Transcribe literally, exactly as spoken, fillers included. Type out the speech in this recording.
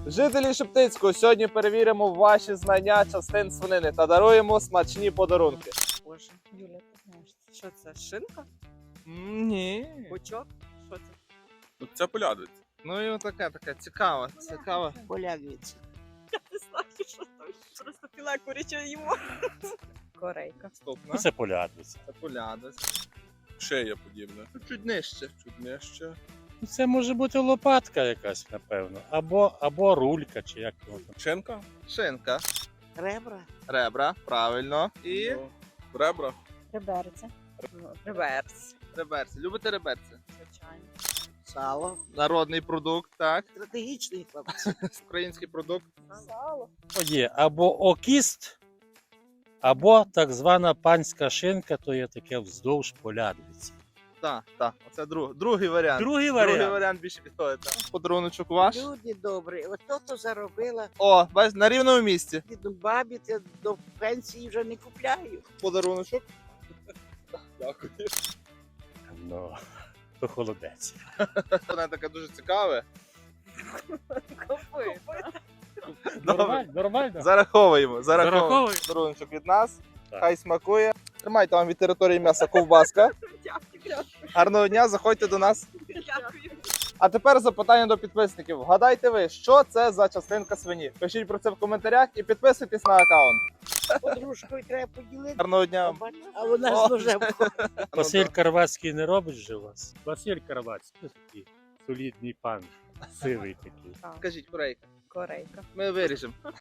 Жителі Шептицького, сьогодні перевіримо ваші знання частин свинини та даруємо смачні подарунки. Боже, Юля, ти знаєш, що це? Шинка? М, Ні. Бочок? Що це? Ну, це полядвиця. Ну і така, така цікава, цікава. Полягвиця. Я не знаю, що там. Просто філе куряче їмо. Корейка. Наступна. Ну, це полядвиця. Це полядець. Шея подібна. Чуть нижче. Чуть нижче. Ну, це може бути лопатка якась, напевно. Або, або рулька, чи як воно там. Шинка. Шинка. Ребра. Ребра, правильно. І Ну, ребра. Реберця. Реверс. реберці. Любите реберці? Звичайно. Сало. Народний продукт, так. Стратегічний хлопець. Український продукт. Сало. О, є або окіст, або так звана панська шинка, то є таке вздовж полядвиці. Так, так. Оце друг, другий варіант. Другий Другий варіант. варіант більше підходить. Так. Подаруночок ваш. Люди добрі. Ото то заробила. О, бачиш, на рівному місці. До бабі ти до пенсії вже не купляю. Подаруночок. Дякую. Ну, то холодець. Вона така дуже цікава. Копи. Нормально, нормально. Зараховуємо. Зараховуємо. Зараховуй. Подаруночок від нас. Так. Хай смакує. Тримайте вам від території м'яса ковбаска. Дякую. Гарного дня, заходьте до нас. Дякую. А тепер запитання до підписників. Вгадайте ви, що це за частинка свині? Пишіть про це в коментарях і підписуйтесь на аккаунт. Подружкою треба поділити. Гарного дня. А вона О. з ножем. Василь Карвацький не робить же у вас? Василь Карвацький, такий солідний пан, сивий такий. Скажіть, Корейка, Корейка. ми виріжемо.